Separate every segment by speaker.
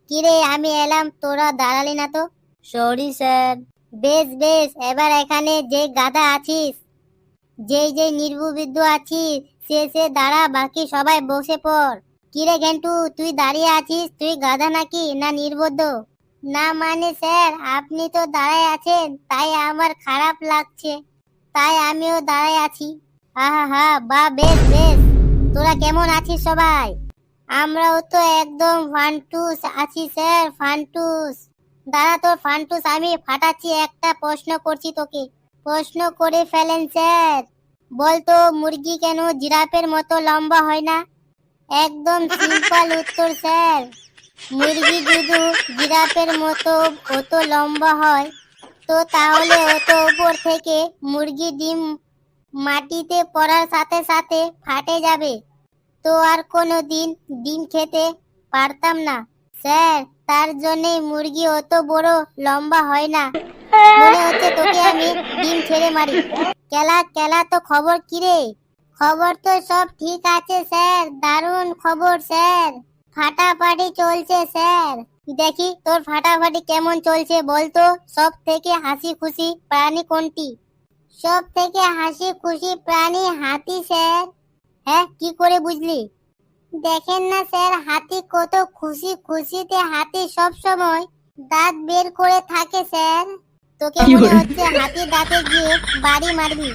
Speaker 1: কিরে আমি এলাম, তোরা দাঁড়ালি না তো? Sorry sir. বেশ বেশ, এবার এখানে যে গাধা আছিস, যেই যেই নির্বুদ্ধিত আছিস, সে দাঁড়া, বাকি সবাই বসে পড়। কিরে ঘেন্টু, তুই দাঁড়িয়ে আছিস, তুই গাধা নাকি না নির্বুদ্ধ? না মানে স্যার, আপনি তো দাঁড়ায় আছেন, তাই আমার খারাপ লাগছে, তাই আমিও দাঁড়ায় আছি। আহা হা, বা বেশ বেশ। তোরা কেমন আছিস সবাই? আমরাও তো একদম ফান্টুস আছি স্যার, ফান্টুস। দাঁড়া, তোর ফান্টুস আমি ফাটাচ্ছি, একটা প্রশ্ন করছি তোকে। প্রশ্ন করে ফেলেন স্যার। বলতো মুরগি কেন জিরাফের মতো লম্বা হয় না? একদম সিম্পল উত্তর স্যার। মুরগি যদি জিরাফের মতো অত লম্বা হয়, তো তাহলে অত উপর থেকে মুরগি ডিম মাটিতে পড়ার সাথে সাথে ফাটে যাবে, তো আর কোনো দিন ডিম খেতে পারতাম না স্যার। তার জন্যই মুরগি অত বড় লম্বা হয় না। মনে হচ্ছে তোকে আমি ডিম ছেড়ে মারি। কেলা কেলা, তো খবর কি রে? খবর তো সব ঠিক আছে স্যার, দারুণ খবর স্যার। ফাটাফাটি চলছে স্যার। দেখি তোর ফাটাফাটি কেমন চলছে বলতো। সব থেকে হাসি খুশি প্রাণী কোনটি? সব থেকে হাসি খুশি প্রাণী হাতি স্যার। হ্যাঁ, কি করে বুঝলি? দেখেন না স্যার, হাতি কত খুশি খুশিতে, হাতি সব সময় দাঁত বের করে থাকে স্যার। তোকে মনে হচ্ছে হাতি দাঁতে গিয়ে বাড়ি মারবি।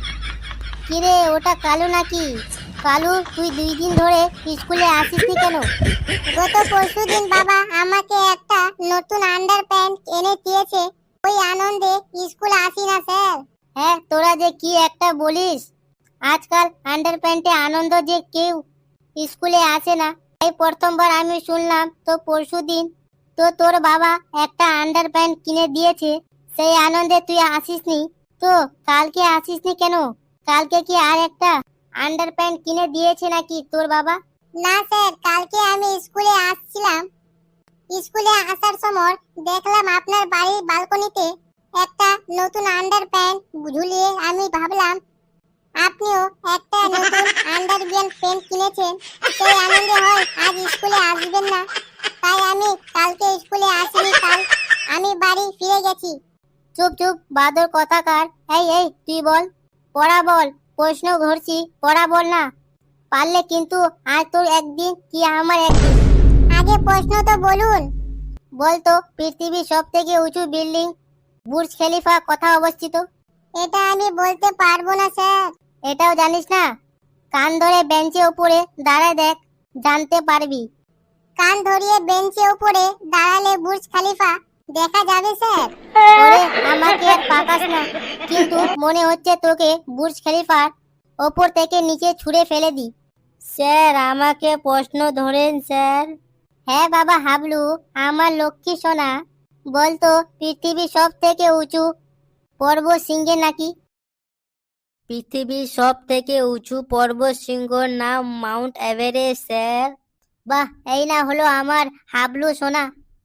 Speaker 1: কিরে, ওটা কালু নাকি? কালু, তুই 2 দিন ধরে স্কুলে আসিসনি কেন? গত পরশুদিন বাবা আমাকে একটা নতুন আন্ডার প্যান্ট এনে দিয়েছে, ওই আনন্দে স্কুলে আসি না স্যার। হ্যাঁ, তোরা যে কি একটা বলিস, আজকাল আন্ডার প্যান্টে আনন্দ যে কেউ স্কুলে আসে না, এই প্রথমবার আমি শুনলাম। তো পরশুদিন তো তোর বাবা একটা আন্ডার প্যান্ট কিনে দিয়েছে, সেই আনন্দে তুই আসিসনি, তো কালকে আসিসনি কেন? কালকে কি আর একটা আন্ডার প্যান্ট কিনে দিয়েছে নাকি তোর বাবা? না স্যার, কালকে আমি স্কুলে আসছিলাম, স্কুলে আসার সময় দেখলাম আপনার বাড়ির ব্যালকনিতে একটা নতুন আন্ডার প্যান্ট ঝুলিয়ে, আমি ভাবলাম আপনিও একটা নতুন আন্ডার প্যান্ট কিনেছেন, সেই আনন্দে হয় আজ স্কুলে আসবেন না, তাই আমি কালকে স্কুলে আসিনি, কাল আমি বাড়ি ফিরে গেছি। চুপ চুপ বাদর কথাকার। এই এই, তুই বল, পড়া বল। প্রশ্ন ধরছি, পড়া বল না, পারলে কিন্তু আজ তোর একদিন কি আমার একদিন। আগে প্রশ্ন তো বলুন। বলতো পৃথিবীর সব থেকে উঁচু বিল্ডিং বুর্জ খলিফা কোথায় অবস্থিত? এটা আমি বলতে পারবো না স্যার। এটাও জানিস না? কান ধরে বেঞ্চের উপরে দাঁড়ায় দেখ, জানতে পারবি। কান ধরিয়ে বেঞ্চের উপরে দাঁড়ালে বুর্জ খলিফা দেখা যাবে স্যার। ওরে, আমাকে আর পাকাস না, কিন্তু মনে হচ্ছে তোকে বুর্জ খলিফার ওপর থেকে নিচে ছুঁড়ে ফেলে দি। স্যার, আমাকে প্রশ্ন ধরেন স্যার। হ্যাঁ বাবা হাবলু, আমার লক্ষ্মী সোনা, বলতো পৃথিবীর সব থেকে উঁচু পর্বত শৃঙ্গের নাকি? পৃথিবীর সব থেকে উঁচু পর্বত শৃঙ্গর নাম মাউন্ট এভারেস্ট স্যার। বাহ, এই না হলো আমার হাবলু সোনা।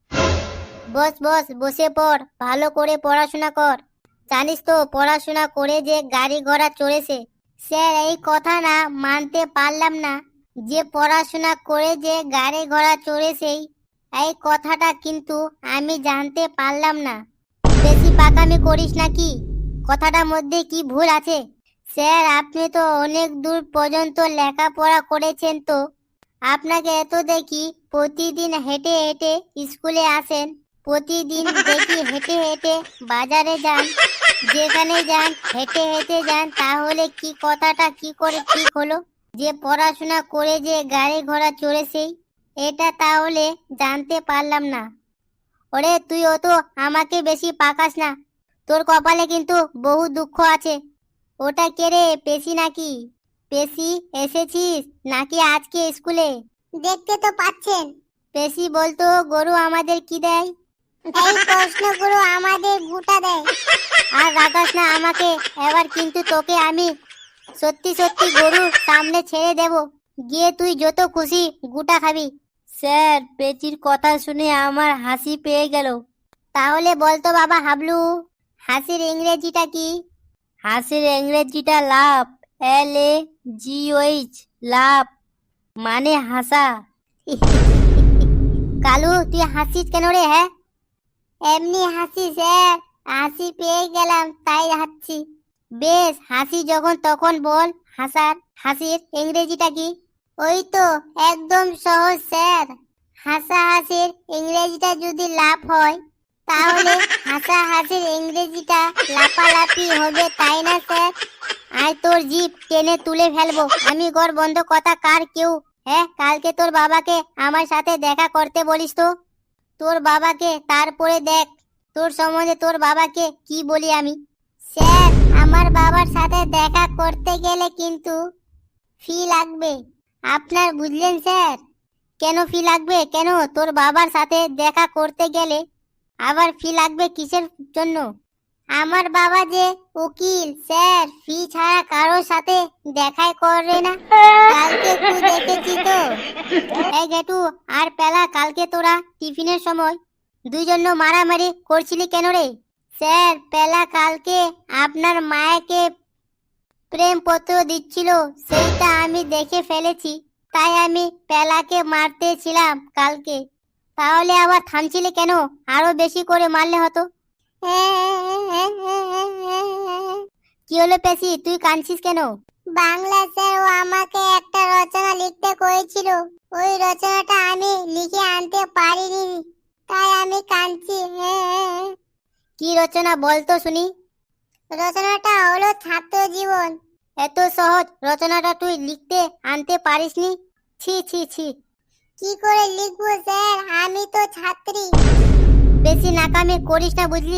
Speaker 1: বস বস, বসে পড়, ভালো করে পড়াশোনা কর। জানিস তো পড়াশোনা করে যে গাড়ি ঘোড়া চড়েছে? স্যার, এই কথা না মানতে পারলাম না, যে পড়াশোনা করে যে গাড়ি ঘোড়া চড়েছে, এই কথাটা কিন্তু আমি জানতে পারলাম না। বেশি পাকামি করিস নাকি? কথাটার মধ্যে কি ভুল আছে? স্যার, আপনি তো অনেক দূর পর্যন্ত লেখাপড়া করেছেন, তো আপনাকে এত দেখি প্রতিদিন হেঁটে হেঁটে স্কুলে আসেন, প্রতিদিন দেখি হেঁটে হেঁটে বাজারে যান, যেখানে যান হেঁটে হেঁটে যান, তাহলে কি কথাটা কি করে ঠিক হলো যে পড়াশোনা করে যে গাড়ি ঘোড়া চড়েছেই? এটা তাহলে জানতে পারলাম না। ওরে, তুই তো আমাকে বেশি পাকাস না, তোর কপালে কিন্তু বহু দুঃখ আছে। ওটা কে রে, পেশি নাকি? পেশি, এসেছিস নাকি আজকে স্কুলে? দেখতে তো পাচ্ছেন। পেশি বলতো গরু আমাদের কি দেয়? এই প্রশ্নগুলো আমাদের গুটা দেয়। আর রাগাস না আমাকে, এবার কিন্তু তোকে আমি সত্যি সত্যি গরুর সামনে ছেড়ে দেব, গিয়ে তুই যত খুশি গুটা খাবি। স্যার, পেচির কথা শুনে আমার হাসি পেয়ে গেল। তাহলে বলতো বাবা হাবলু, হাসির ইংরেজিটা কি? হাসির ইংরেজিটা লাফ, LAGH, লাফ মানে হাসা। কালু তুই হাসিস কেন রে? হ্যাঁ, এমনি হাসি স্যার, হাসি পেয়ে গেলাম তাই হাসছি। বেশ, হাসি যখন তখন বল। হাসির ইংরেজিটা কি? ওই তো, একদম সহজ স্যার। হাসা হাসির ইংরেজিটা যদি লাভ হয় তাহলে হাসা হাসির ইংরেজিটা লাপালাপি হবে, তাই না স্যার? আয় তোর জিভ টেনে তুলে ফেলবো আমি, ঘর বন্ধ কথা কার কেউ। হ্যাঁ, কালকে তোর বাবাকে আমার সাথে দেখা করতে বলিস তো, তোর বাবাকে, তারপরে দেখ তোর সম্বন্ধে তোর বাবাকে কি বলি আমি। স্যার, আমার বাবার সাথে দেখা করতে গেলে কিন্তু ফি লাগবে আপনার, বুঝলেন স্যার? কেন ফি লাগবে? কেন তোর বাবার সাথে দেখা করতে গেলে আবার ফি লাগবে কিসের জন্য? আমার বাবা যে উকিল স্যার, ফি ছাড়া কারোর সাথে দেখাই করে না। কালকে তুই দেখেছি তো। এই গেটু আর পেলা, কালকে তোরা টিফিনের সময় দুইজন মারামারি করছিলি কেন রে? স্যার, পেলা কালকে আপনার মায়াকে প্রেম পত্র দিচ্ছিল, সেইটা আমি দেখে ফেলেছি, তাই আমি পেলাকে মারতেছিলাম কালকে। তাহলে আবার থামছিলি কেন? আরো বেশি করে মারলে হতো। কি হলো পেশি, তুই কাঁদছিস কেন? বাংলা স্যার, ও আমাকে একটা রচনা লিখতে করেছিল, ওই রচনাটা আমি লিখে আনতে পারিনি, তাই আমি কাঁদছি। কি রচনা বলতো শুনি? রচনাটা হলো ছাত্র জীবন। এত সহজ রচনাটা তুই লিখতে আনতে পারিসনি? ছি ছি ছি। কি করে লিখবো স্যার, আমি তো ছাত্রী। বেশি নাকামি করিস না, বুঝলি?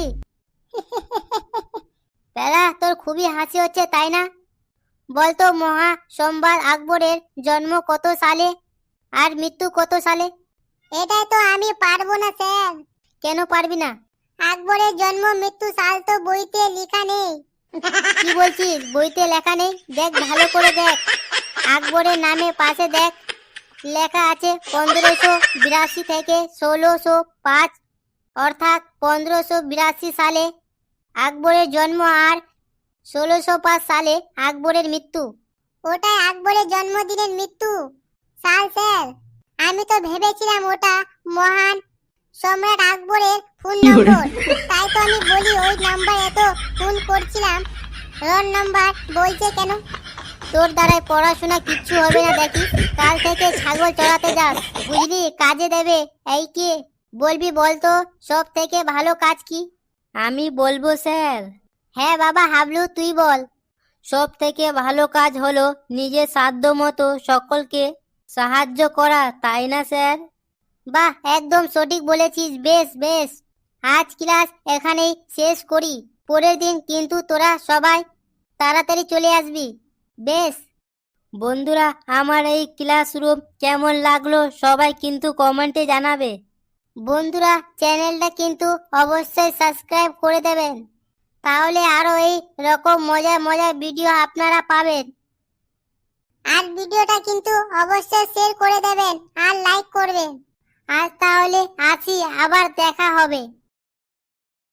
Speaker 1: পেলা, তোর খুবই হাসি হচ্ছে তাই না? বলতো মহা সম্রাট আকবরের জন্ম কত সালে আর মৃত্যু কত সালে? এটা তো আমি পারবো না স্যার। কেন পারবি না? আকবরের জন্ম মৃত্যু সাল তো বইতে লেখা নেই। কি বলছিস, বইতে লেখা নেই? দেখ, ভালো করে দেখ, আকবরের নামে পাশে দেখ, লেখা আছে 1582 থেকে 1605, অর্থাৎ 1582 সালে আকবরের জন্ম আর 1605 সালে আকবরের মৃত্যু। ওটাই আকবরের জন্মদিনের মৃত্যু সাল স্যার। আমি তো ভেবেছিলাম ওটা মহান সম্রাট আকবরের ফোন নম্বর, তাই তো আমি বলি ওই নাম্বার এত ফোন করছিলাম, রং নাম্বার বলছে কেন? তোর দ্বারাই পড়াশোনা কিচ্ছু হবে না দেখি, কাল থেকে ছাগল চড়াতে যাস, বুঝলি? কাজে দেবে। এই কে বলবি বলতো, সব থেকে ভালো কাজ কি? আমি বলবো স্যার। হ্যাঁ বাবা হাবলু, তুই বল। সব থেকে ভালো কাজ হলো নিজের সাধ্য মতো সকলকে সাহায্য করা, তাই না স্যার? বাহ, একদম সঠিক বলেছিস। বেশ বেশ, আজ ক্লাস এখানেই শেষ করি, পরের দিন কিন্তু তোরা সবাই তাড়াতাড়ি চলে আসবি। বেশ। বন্ধুরা, আমার এই ক্লাসরুম কেমন লাগলো সবাই কিন্তু কমেন্টে জানাবে। বন্ধুরা, চ্যানেলটা কিন্তু অবশ্যই সাবস্ক্রাইব করে দেবেন, তাহলে আরো এই রকম মজার মজার ভিডিও আপনারা পাবেন। আর ভিডিওটা কিন্তু অবশ্যই শেয়ার করে দেবেন আর লাইক করবেন। আজ তাহলে আসি, আবার দেখা হবে।